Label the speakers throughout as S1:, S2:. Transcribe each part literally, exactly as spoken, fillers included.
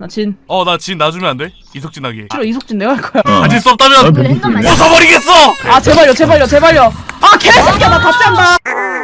S1: 나 진.
S2: 어 나 진 놔주면 안 돼? 이석진 하게.
S1: 싫어 이석진 내가 할 거야.
S3: 어.
S2: 가질 수 없다면
S3: 아, 배고프네.
S2: 벗어버리겠어.
S1: 아 제발요 제발요 제발요. 아 개새끼야 나 다시 한다.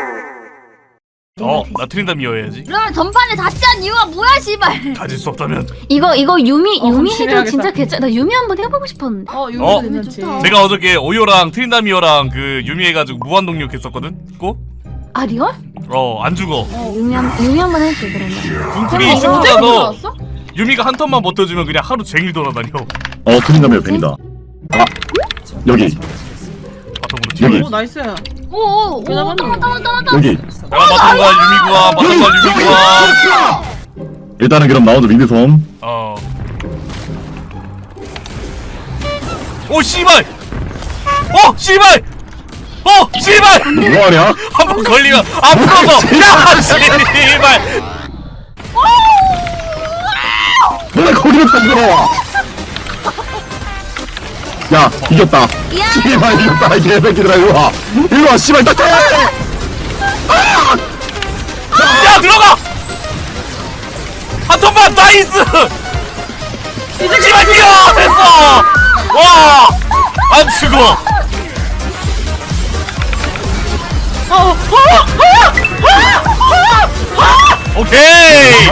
S2: 어나 트린다미어 해야지.
S4: 그러면 전판에 다시 한 이유가 뭐야 씨발.
S2: 가질 수 없다면
S4: 이거 이거 유미
S1: 어,
S4: 유미
S1: 열심히
S4: 해도
S1: 해야겠다.
S4: 진짜 괜찮. 나 유미 한번 해보고 싶었는데.
S1: 어 이거
S2: 어?
S1: 괜찮지.
S4: 좋다.
S2: 내가 어저께 오요랑 트린다미어랑 그 유미 해가지고 무한동력 했었거든? 고?
S4: 아 리얼?
S2: 어 안 죽어.
S4: 유미 한 유미 한번 할게 그러면.
S2: 둥클이
S1: 언제
S2: 시프트라서
S1: 들어왔어?
S2: 유미가 한 턴만 버텨주면 그냥 하루 종일 돌아다녀.
S3: 어 트린다미어 벤이다. 아 여기
S2: 바텀으로 튀어.
S3: 여기
S1: 오 나이스.
S4: 오오
S1: 왜 나갔니?
S4: 오. 왔다 왔다 왔다.
S3: 여기.
S2: 야 바텀과 유미구와 바텀과 유미구와.
S3: 일단은 그럼 나오죠 미드섬.
S2: 어. 오 씨발! 어 씨발! 어 씨발!
S3: 뭐하냐?
S2: 한 번 걸리면 안 풀어서 야 씨발!
S3: 왜 거기로 다 들어와? 야 이겼다.
S4: 야.
S3: 씨발 이겼다 이 개새끼들아 이리 와. 이리 와 씨발 딱.
S2: 야 들어가! 한 턴만 나이스! 씨발 뛰어! 됐어! 와! 안 죽어! 오케이!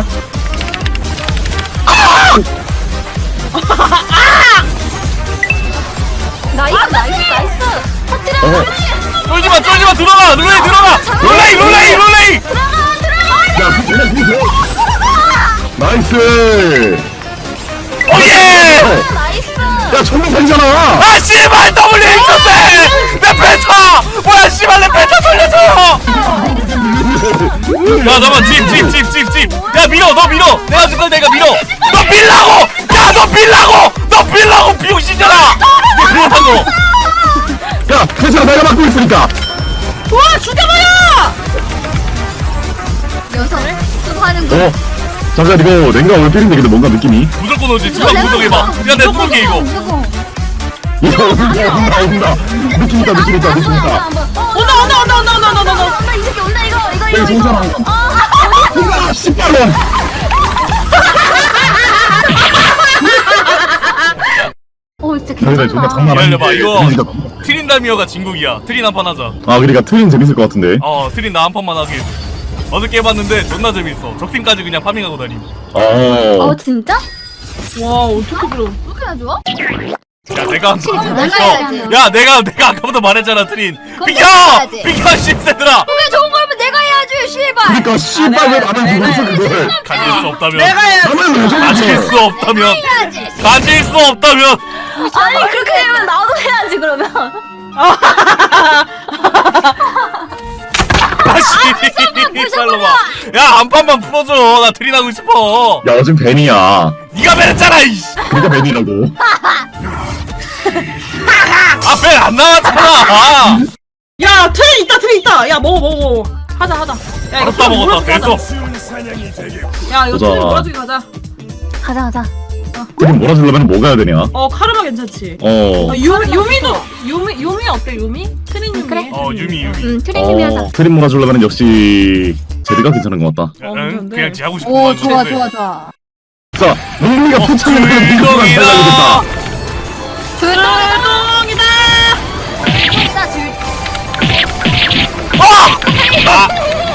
S4: 나이스 나이스 나이스. 터뜨려.
S3: 어.
S2: 쫄지마 쫄지마 들어가! 룰레이 들어가! 룰레이 룰레이 룰레이!
S4: 들어가 들어가.
S3: 야 그냥 그냥. 나이스.
S2: 오예!
S4: 나이스.
S3: 야 정상이잖아.
S2: 아 씨발 W 미쳤네! 내 펜타! 뭐야 씨발 내 펜타 돌려줘요! 야 잠깐만 집집집집집 야 밀어 너 밀어 내가 줄걸 내가 밀어 너 밀라고! 야 너 밀라고! 너 밀라고 비용신년아! 밀라고!
S3: 야 괜찮아 내가 막고 있으니까.
S1: 와 죽여버려!
S4: 녀석 또 하는 거.
S3: 어. 잠깐 이거 랭가 오늘 때리는데 근데 뭔가 느낌이.
S2: 무조건 오지 주방 구성해봐 야 내가 뚫을게 이거
S3: 이거 온다 온다 온다. 느낌 있다 느낌 있다 느낌 있다.
S1: 온다 온다 온다 온다 온다 온다 온다.
S4: 온다 이 새끼 온다 이거 이거
S3: 여기
S4: 이거.
S3: 송사랑. 아 씨발 놈.
S4: 어 진짜
S3: 저희가 존나
S4: 괜찮다.
S3: 장난 아닌데.
S2: 기다려봐 이거
S3: 그러니까.
S2: 트린다미어가 진국이야 트린 한 판 하자
S3: 아 그러니까 트윈 재밌을 것 같은데.
S2: 어 트린 나 한 판만 하게 해줘 어저께 해봤는데 존나 재밌어 적팀까지 그냥 파밍하고 다님
S3: 어.
S4: 어 진짜?
S1: 와 어떻게 그래?
S4: 그렇게 좋아?
S2: 야 내가 한 판
S4: 내가 해야지.
S2: 야 내가 내가 아까부터 말했잖아 트린
S4: 그럼
S2: 비켜!
S4: 내가 해야지.
S2: 비켜 씨새들아
S4: 그게 좋은 거면 내가 해야지 씨발.
S3: 그러니까 씨발 왜 나만 보고 있어 그걸.
S2: 가질 수 없다면
S1: 내가 해야.
S3: 나만 왜
S2: 가질
S3: 저러지?
S2: 수 없다면
S4: 해야지.
S2: 가질 수 없다면
S4: 아니 그렇게 되면 나도 해야지 그러면.
S2: 아씨 빨로 봐야한 판만 풀어줘 나 트린 하고 싶어
S3: 야 요즘 벤이야.
S2: 니가 벤했잖아 이씨
S3: 그러니까 벤이라고.
S2: 아벤 안 나왔잖아
S1: 야 트레 있다 트레 있다. 야 먹어 먹어 먹어. 하자 하자. 야 이거
S2: 알았다 먹었다
S1: 트레
S2: 됐어
S1: 몰아주기 하자. 야 이거
S3: 보자.
S1: 트레 몰아주기 가자.
S4: 가자 가자.
S3: 지금 몰아주려면 뭐 가야 되냐?
S1: 어 카르마 괜찮지.
S3: 어.
S1: 어, 유 유미도 유미 유미 어때 유미? 트린 유미.
S4: 그래.
S2: 어 유미 유미
S4: 음 트레이닝 하자.
S3: 어. 트림 몰아주려면 역시 제드가 괜찮은 것 같다.
S1: 어,
S2: 응?
S1: 괜찮은데.
S2: 그냥 지 하고 싶은
S4: 오
S2: 거
S4: 좋아 좋아 좋아.
S3: 자, 문민이가
S2: 어,
S3: 포착을 해야
S2: 주인공이다.
S1: 불똥이다.
S4: 일단 줄.
S2: 아!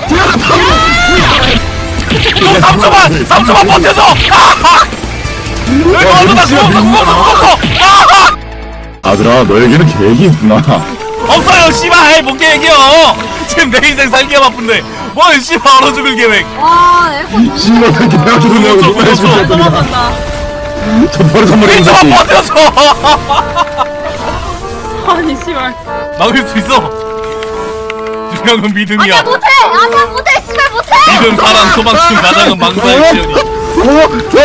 S2: 너 삼 초만! 삼 초만 버텨줘! 아! 왜
S3: 야,
S2: 너도 나
S3: 진짜
S2: 구웠어 구웠어
S3: 민망하다.
S2: 구웠어! 아!
S3: 아들아, 너에게는 계획이 있구나.
S2: 없어요 씨발 못 계획이요! 지금 내 인생 살기가 바쁜데 뭘 씨발 얼어 죽을 계획
S4: 와 에코.
S3: 씨발 새끼 내가 죽으려고
S2: 그렇죠,
S3: 정말
S2: 그렇죠.
S3: 진짜
S1: 넘어간다.
S3: 저 버릇 선물이
S2: 일 초만
S3: 있었지.
S2: 버텨줘!
S1: 아니 씨발.
S2: 막을 수 있어 중요한 믿음이야
S4: 아니야 못해. 아니야 못해. 씨발 못해.
S2: 믿음 사랑 소망충 가장은 망사일지언니
S3: 어?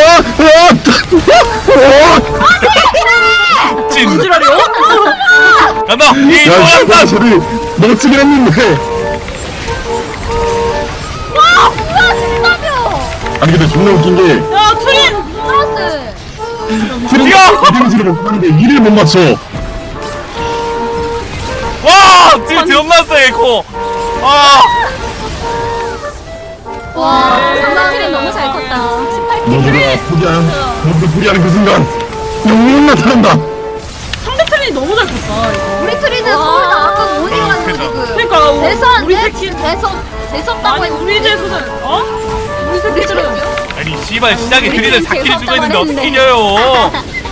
S3: 어? 어?
S2: 찐
S1: 무지라려?
S2: 간다! 이
S3: 야, 씨발
S2: 도약단!
S3: 저리 멋지긴 했는데.
S4: 와 뭐야 진짜며.
S3: 아니 근데 존나 웃긴 게
S1: 야 트린.
S4: 플러스.
S3: 트림 이등지를 못 하는데 일을 못 맞춰.
S2: 와! 딜 존나 세 에코! 아!
S4: 와 상대 트레 너무 잘 컸다. 십팔 킬.
S3: 너희가 포기하는 너희가 포기하는 그 순간 영웅 나타난다.
S1: 상대 트레이 너무 잘 쳤다 이거.
S4: 우리 트리는 서울 나왔고 어디
S2: 어,
S4: 가는
S2: 그래서.
S4: 지금?
S1: 그러니까 우리
S4: 대서인데
S1: 새끼
S4: 대서 대서다고
S1: 아니 우리 재수는 어? 우리 새끼들은
S2: 아니 씨발 시작에
S4: 우리
S2: 드리는
S4: 재수
S2: 사 킬을 주고 있는데
S4: 없다고
S2: 어떻게
S4: 했는데.
S2: 이겨요